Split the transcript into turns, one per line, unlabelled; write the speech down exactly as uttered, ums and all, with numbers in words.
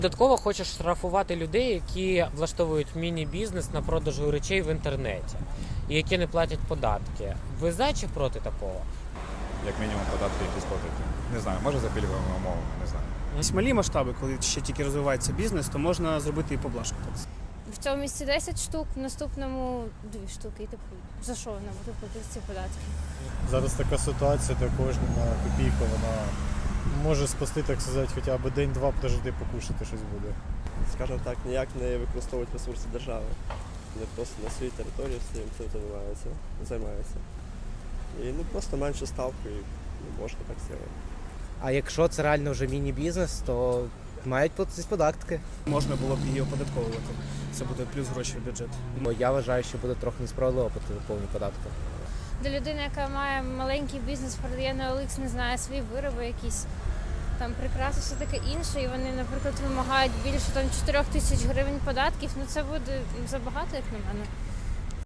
Додатково хочеш штрафувати людей, які влаштовують міні-бізнес на продажу речей в інтернеті і які не платять податки. Ви за чи проти такого?
Як мінімум податки якісь платити. Не знаю, може за пільговими умовами, не знаю.
Ось малі масштаби, коли ще тільки розвивається бізнес, то можна зробити і поблажку.
В цьому місці десять штук, в наступному дві штуки. І типу, за що вона буде платити ці податки?
Зараз така ситуація, де кожна копійка, вона може спасти, так сказати, хоча б день-два прожити, покушати щось буде.
Скажімо так, ніяк не використовують ресурси держави. Вони просто на своїй території всім цим займаються. займаються. І ну, просто менше ставки, і можна так зробити.
А якщо це реально вже міні-бізнес, то мають платитись податки.
Можна було б її оподатковувати. Це буде плюс гроші в бюджет.
Бо я вважаю, що буде трохи несправедливо платити повні податки.
Для людини, яка має маленький бізнес, продає на Олікс, не знаю, свої вироби якісь, там прикраси, все таке інше, і вони, наприклад, вимагають більше там чотирьох тисяч гривень податків, ну це буде забагато, як на мене.